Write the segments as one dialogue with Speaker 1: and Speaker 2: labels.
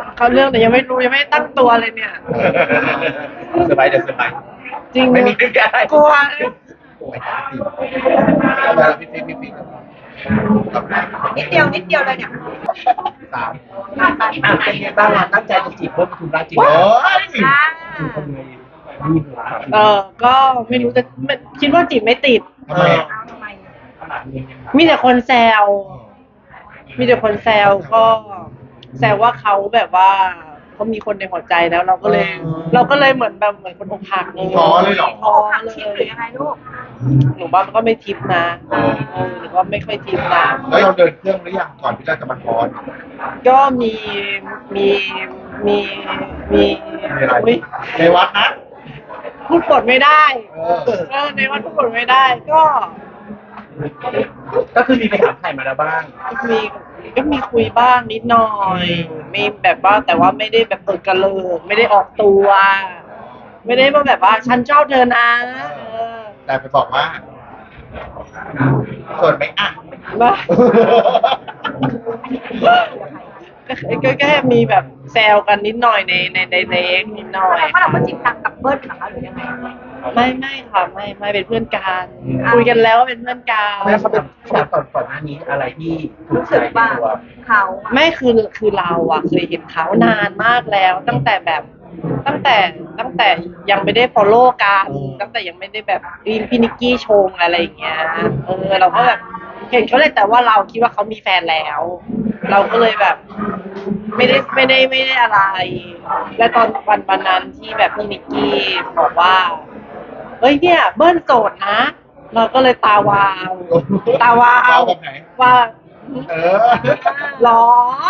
Speaker 1: เขาเรื่องแต่ยังไม่รู้ยังไม่ตั้งตัวเลยเนี่ย
Speaker 2: เซอร์ไพรส์เดี๋ยวเซอร์ไพรส์
Speaker 1: จริง
Speaker 2: ไม่มีนึกอะไร
Speaker 1: กลัว
Speaker 2: ไม่ได้สิแล้วพี่
Speaker 3: นิดเดียวนิดเดียวเลยเนี่ย
Speaker 2: สาม
Speaker 4: เป็นไงบ้างเราตั้งใจจะจีบเพิ่มทุนรักจริงไหม
Speaker 2: โอ้ย
Speaker 3: อ่า
Speaker 4: ทำไงรีบ
Speaker 1: ก็ไม่รู้จะคิดว่าจีบไม่ติด
Speaker 2: ทำไมอ่ะ
Speaker 3: เอาทำไม
Speaker 1: มีแต่คนแซวมีแต่คนแซวก็แซวว่าเขาแบบว่าเขามีคนในหัวใจแล้วเราก็เลยเหมือนแบบเหมือนคนอกหักเลย
Speaker 2: ท้อเลยเหรอ
Speaker 1: ท้อ
Speaker 3: หัก
Speaker 1: เล
Speaker 3: ชิปหรือย ยังไงลูก
Speaker 1: หนูว่ามันก็ไม่ทิปนะหนูว่าไม่ค่อยทิปนะ
Speaker 2: แล้วเราเดินเครื่องหรือยังก่อนที่เราจะมาคอน
Speaker 1: ก็มีมีมี
Speaker 2: อะไร
Speaker 1: อุ๊ย
Speaker 2: ในวัดนะ
Speaker 1: พูดบทไม่ได้ ในวันพูดบทไม่ได้ก็
Speaker 4: ก็คือมีไปถามไถ่มาแล้วบ้าง
Speaker 1: มีก็มีคุยบ้างนิดหน่อยมีแบบว่าแต่ว่าไม่ได้แบบเปิดกระเลิกไม่ได้ออกตัว ไม่ได้ว่าแบบว่าฉันชอบเธอนะ
Speaker 2: แต่ไปบอกว่าส่วนไหมอ่ะ
Speaker 1: ว่า ก็แค่มีแบบแซวกันนิดหน่อยในเล็กนิดหน่อย
Speaker 3: แสดงว่าเราก็จริงจังกับเบิ้ลเหรอคะหรือยังไง
Speaker 1: ไม่ค่ะไม่เป็นเพื่อนกันคุยกันแล้วว่าเป็นเพื่อนกัน
Speaker 4: แล้วเขาเป็นก่อนหน้านี้อะไรที่ถูก
Speaker 3: รู้
Speaker 4: ใจ
Speaker 3: สึก
Speaker 4: ใน
Speaker 3: ว่า
Speaker 4: ตัว
Speaker 3: เขา
Speaker 1: ไม่คือเราอะเคยเห็นเขานานมากแล้ว ตั้งแต่ยังไม่ได้ follow กันตั้งแต่ยังไม่ได้แบบพี่นิกกี้ชงอะไรอย่างเงี้ยเราก็แบบเห็นเขาเลยแต่ว่าเราคิดว่าเขามีแฟนแล้ว เราก็เลยแบบ ไม่ได้อะไร และตอนวันนั้นที่แบบพี่นิกกี้บอกว่าเฮ้ยเนี่ยเบิ้ลโสดนะ เราก็เลยตาวาว
Speaker 2: แบบไหน
Speaker 1: ว่า
Speaker 2: เออ
Speaker 1: หรอ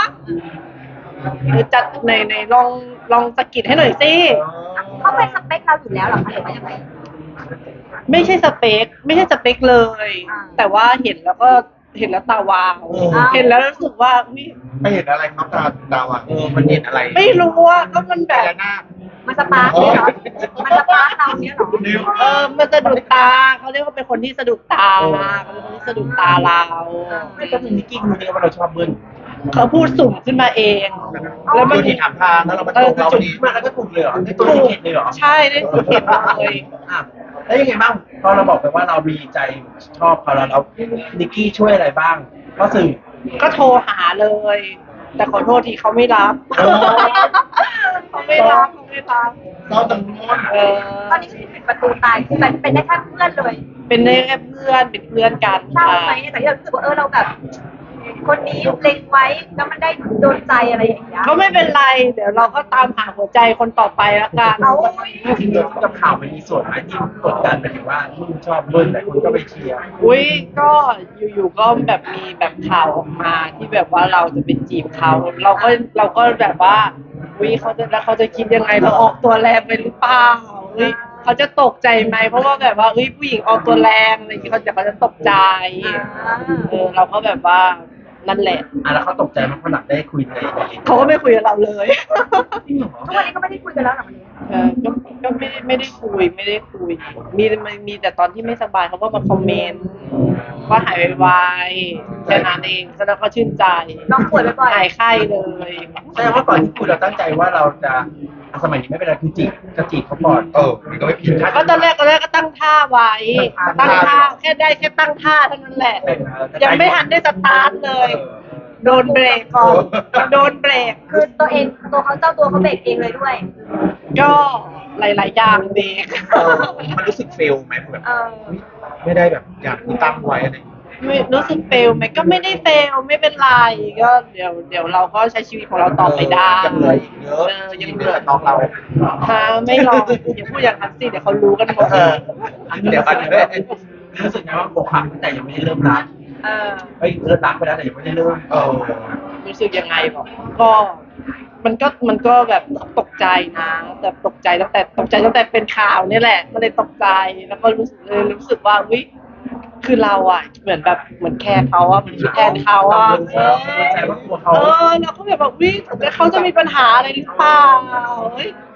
Speaker 1: จัดในลองสะกิดให้หน่อยสิ
Speaker 3: เขาเป็นสเปคเราอยู่แล้วเหรอคะหรือว่ายังไง
Speaker 1: ไม่ใช่สเปคเลย
Speaker 3: อ่า
Speaker 1: แต่ว่าเห็นแล้วตาวาว
Speaker 3: อ่า
Speaker 1: เห็นแล้วรู้สึกว่าอุ๊ย
Speaker 2: ไม่เห็นอะไรครับตาอ่ะ
Speaker 4: มันเห็นอะไร
Speaker 1: ไม่รู้ว่าก็มันแบ
Speaker 2: พ
Speaker 1: บ
Speaker 2: ญานาค
Speaker 3: มันสปาร์คเนี่ยเหรอมันสปาร์คเราเนี่ยเหรอ
Speaker 1: มันสะดุดตาเขาเรียกว่าเป็นคนที่สะดุดตาเขาเป็นคนที่สะดุดตาเรา
Speaker 4: ไม่ต้องมีนิกกี้รู้ได้ว่าเราชอบเบิ้ล
Speaker 1: เขาพูดสุ่มขึ้นมาเอง
Speaker 2: แล้วมันที่ถามทางแล้วเรามาตรงเราพ
Speaker 4: จุ
Speaker 2: อ
Speaker 4: ด
Speaker 2: ดี
Speaker 4: มาแล้วก็ถูกเลยเหรอได้ตัวนิกกี้เลยเหรอ
Speaker 1: ใช่ได้สุดเห็นเลย
Speaker 4: อ่ะแล้วยังไงบ้างพอเราบอกไปว่าเรามีใจชอบเขาแล้วนิกกี้ช่วยอะไรบ้างก็สื่อ
Speaker 1: ก็โทรหาเลย แต่ขอโทษทีเขาไม่รับ
Speaker 2: โอ้
Speaker 1: เขาไม่รับ
Speaker 2: เศร้าจังงอน
Speaker 3: ตอนนี้คือปิดประตูตายคือเป็นได้แค่เพื่อนเลย
Speaker 1: เป็นได้แค่เพื่อนเป็นเพื่อนกัน
Speaker 3: เศร้า
Speaker 1: ค่ะ
Speaker 3: ไหมแต่ที่เรารู้สึกว่าเราแบบ คนนี้เล็งไว้แล้วมันได้โดนใจอะไรอย่างเงี้ย
Speaker 1: ก็ไม่เป็นไร เดี๋ยวเราก็ตามหาหัวใจคนต่อไปแล้วกัน
Speaker 3: เอา
Speaker 4: จริงๆกับข่าวมันมีส่วนไหมที่กดดันไปถึงว่ามึงชอบเบิ้ลแต่คนก็ไปเชียร์
Speaker 1: อุ้ยก็อยู่ๆก็แบบมีแบบข่าวออกมาที่แบบว่าเราจะไปจีบเขาเราก็แบบว่าอุ้ยเขาจะคิดยังไงเราออกตัวแรงไปหรือเปล่าอุ้ยเขาจะตกใจไหมเพราะว่าแบบว่าอุ้ยผู้หญิงออกตัวแรงอะไรอย่างเงี้ยเขาจะตกใจเราก็แบบว่านั่นแหละ
Speaker 4: แล้วเขาตกใจมากเพราะหลังได้คุยใน
Speaker 1: เขาก็ไม่คุยกับเราเลย
Speaker 3: ทุกวันนี้ก็ไม่ได้คุยกันแล้วหรอวันนี้
Speaker 1: ก็ไม่ได้คุยมีแต่ตอนที่ไม่สบายเขาก็มาคอมเมนต์ว่าหายไวๆแค่นั้นเองแล้วก็ชื่นใจ
Speaker 3: น้องป่วยบ่อย
Speaker 1: หายไข้เลย
Speaker 4: แสดงว่าก่อนที่คุยเราตั้งใจว่าเราจะสมัยนี้ไม่เป็นไรคือจะจีบเขาก่อน
Speaker 2: มันก็ไม่ผิด
Speaker 1: ก็ตอนแรกก็ตั้งท่าไว้ ตั้งท่าแค่ตั้งท่าเท่านั้นแหละ ยังไม่ทันได้สตาร์ทเลย โดนเบรกก่อนโดนเบรก
Speaker 3: คือตัวเขาเจ้าตัวเขาเบรกเองเลยด้วย
Speaker 1: ก็หลายๆอย่างเบรก
Speaker 2: มันรู้สึกเฟลไหมแบบ
Speaker 3: เออ
Speaker 2: ไม่ได้แบบอย่างที่ตั้งไว้อะไร
Speaker 1: ไม่รู้สึกเฟลไหมก็ไม่ได้เฟลไม่เป็นไรก็เดี๋ยวเราก็ใช้ชีวิตของเราต่อไปได้
Speaker 2: ยังเหลืออีกเยอะ
Speaker 1: ยัง
Speaker 2: เหลือน้องเรา
Speaker 1: ไม่หรอกอย่าพูดอย่างนั้นสิเดี๋ยวเขารู้กันหมด
Speaker 2: เดี๋ยวอันนี้
Speaker 4: รู้สึกไงว่าอกหักแต่ยังไม่ได้เริ่มรัก
Speaker 3: เออ
Speaker 4: เริ่มรักไปแล้วแต่ยังไม่ได้เริ่ม
Speaker 1: รู้สึกยังไงบอกก็มันก็แบบตกใจนะแต่ตกใจตั้งแต่เป็นข่าวนี่แหละก็เลยตกใจแล้วก็รู้สึกว่าวิคือเราอ่ะเหมือนแคร์เขาอ่ะเหมือนคิดแทนเขาอ่ะ
Speaker 4: ใจว่ากลัวเขา
Speaker 1: เราก็แบบวิเขาจะมีปัญหาอะไรหรือเปล่าเฮ้ย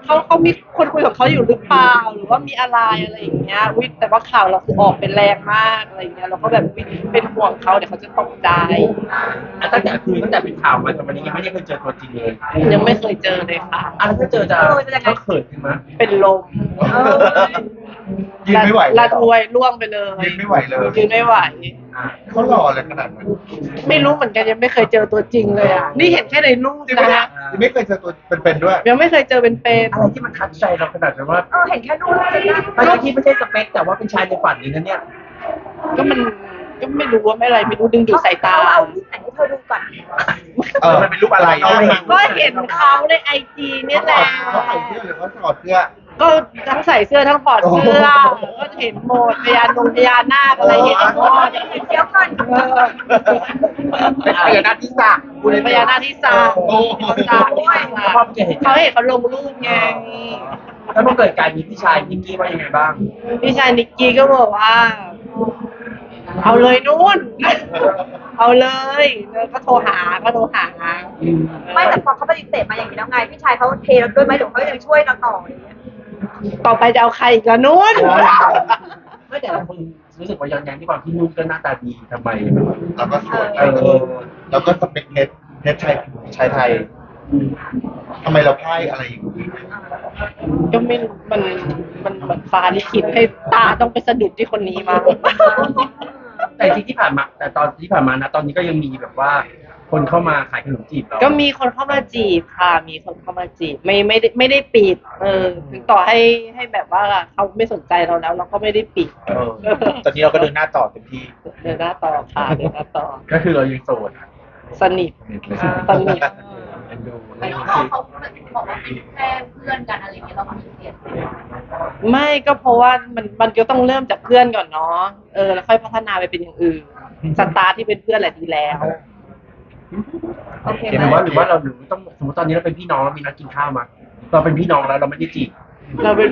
Speaker 1: เขามีคนคุยของเขาอยู่หรือเปล่าหรือว่ามีอะไรอย่างเงี้ยอุ๊ยแต่ว่าข่าวเราคือออกเป็นแรงมากอะไรอย่างเงี้ยเราก็แบบอุ๊ยเป็นห่วงเขาเดี๋ยวเขาจะตกใจ
Speaker 4: ตั้งแต่เป็นข่าวมาจนวันนี้ยังไม่ได้เคยเจอตัวจริงเลย
Speaker 1: ยังไม่เคยเจอเลยค่ะ
Speaker 4: แล้วถ้าเจอจะก็เขินขึ้นมั้ย
Speaker 1: เป็นลม
Speaker 2: ยืนไม่ไหวเลย
Speaker 1: ละทวยร่วงไปเลย
Speaker 2: ยืนไม่ไหวเลย
Speaker 1: ยืนไม่ไหว
Speaker 2: เขาหล่อเลยขนาดนั้น
Speaker 1: ไม่รู้เหมือนกันยังไม่เคยเจอตัวจริงเลยอ่ะนี่เห็นแค่ในรูป
Speaker 2: จริงไหมเนี่
Speaker 1: นะ
Speaker 2: ยยังไม่เคยเจอตัวเป็นๆด้วย
Speaker 1: ยังไม่เคยเจอเป็น
Speaker 4: อะไรที่มันทัดใจเราขนาดนั้นว่า
Speaker 3: เห็นแค่รูปจริงนะ
Speaker 4: ไม่ที่ไม่ใช่สเปคแต่ว่าเป็นชายในฝันเลยนะเนี่ย
Speaker 1: ก็มันก็ไม่รู้ว่าไม่อะไรไม่รู้ดึงดูดสายตา
Speaker 3: เอารูปไหนให้เธอดูก่อน
Speaker 4: มันเป็นรูปอะไร
Speaker 1: ก็เห็นเขาในไอจีเนี่ยแหละ
Speaker 2: เขาใส่เสื้อหรือเขาถอดเสื้อ
Speaker 1: ก็ทั้งใส่เสื้อทั้งถอดเสื้อก็เห็นหมดพญานาคอะไรเห็นหมด
Speaker 3: เดี๋ยวก่อน
Speaker 2: เป็นพญานาคที่สระ
Speaker 1: พญานาคที่สาม
Speaker 2: โอ้โห
Speaker 1: เขาเห็นเขาลงรูปไง
Speaker 4: แล้วพอเกิดการมีพี่ชายนิกกี้ว่ายังไงบ้าง
Speaker 1: พี่ชายนิกกี้ก็บอกว่า เอาเลยนู่น เอาเลยแล้วก็โทรหา
Speaker 3: ไม่แต่พอเขาปฏิเสธมาอย่างนี้แล้วไงพี่ชายเขาเทเราด้วยไหมหรือเขายังช่วยเราต่ออะไรอย่างเงี้ย
Speaker 1: ต่อไปจะเอาใครอีกละนู่น
Speaker 4: ไม่แต่ละคนรู้สึกว่าย้อนแย้งที่ความที่นุ่มก็หน้าตาดีทำไม
Speaker 2: แล้วก็สวยแล้วก็สเปคเพชรชายไทยทำไมเราพ่ายอะไรอย่างนี้
Speaker 1: ก็ไม่รู้มันเหมือนฟ้าลิขิตให้ตาต้องไปสะดุดที่คนนี้มา
Speaker 4: แต่ที่ผ่านมาแต่ตอนที่ผ่านมานะตอนนี้ก็ยังมีแบบว่า คนเข้ามาขายขนมจีบเรา
Speaker 1: ก็มีคนเข้ามาจีบค่ะ มีคนเข้ามาจีบไม่ได้ปิด ถึงต่อให้แบบว่าเขาไม่สนใจเราแล้ว เราก็ไม่ได้ปิด
Speaker 2: ตอนนี้เราก็เดินหน้าต่อเต็มที่
Speaker 1: เดินหน้าต่อค่ะเดินหน้าต่อ
Speaker 4: ก็คือเรายังโสด
Speaker 1: สนิทสนิท
Speaker 5: ไม่รู้เขาบอกว่าเป็นแค่เพื่อนกันอะไรอย่างเงี้ยเราปฏิเสธ
Speaker 1: ไม่ก็เพราะว่ามันก็ต้องเริ่มจากเพื่อนก่อนเนาะแล้วค่อยพัฒนาไปเป็นอย่างอื่นสตาร์ทที่เป็นเพื่อนแหละดีแล้ว
Speaker 3: โอเค
Speaker 4: หรือว่าเราต้องสมมติตอนนี้เราเป็นพี่น้องเรามีนัดกินข้าวมาเราเป็นพี่น้องแล้วเราไม่ได้จีบ
Speaker 1: เราเป็น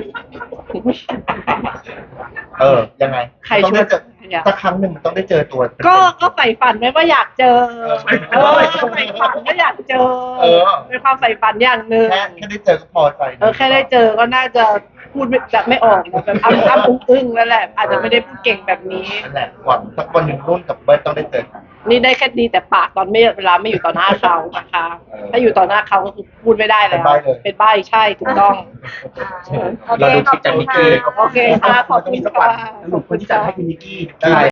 Speaker 2: ยังไง
Speaker 1: ใคร
Speaker 2: ต้องได้เจอ
Speaker 1: ช่วย
Speaker 2: สักครั้งหนึ่งมันต้องได้เจอตัวเป็นๆ
Speaker 1: ก็ใฝ่ฝันไว้ว่าอยากเจอใฝ่ฝันว่าอยากเจอ เป็นความใฝ่ฝันอย่างหนึ่ง
Speaker 2: แค่ได้เจอก็พอใจ
Speaker 1: แค่ได้เจอก็น่าจะพูดแบบไม่ออกนะแบบอ้ำอึ้งแล้วแหละ อาจจะไม่ได้พูดเก่งแบบนี้
Speaker 2: นั่นแหละหวังสักวันหนึ่งนุ่นกับเบิร์ตต้องได้เจอกัน
Speaker 1: นี่ได้แค่ดีแต่ปากตอนเวลาไม่อยู่ต่อหน้าเขานะคะ ถ้าอยู่ต่อหน้าเขาก็คือพูดไม่ได้แล้ว เป็นใบ้ใช่ถูกต้อง
Speaker 4: เราดูคลิปจากนิกกี้
Speaker 1: โอเคค่ะขอบคุณค่ะ
Speaker 4: สรุปคนที่จัดให้คือนิกกี้
Speaker 2: ได้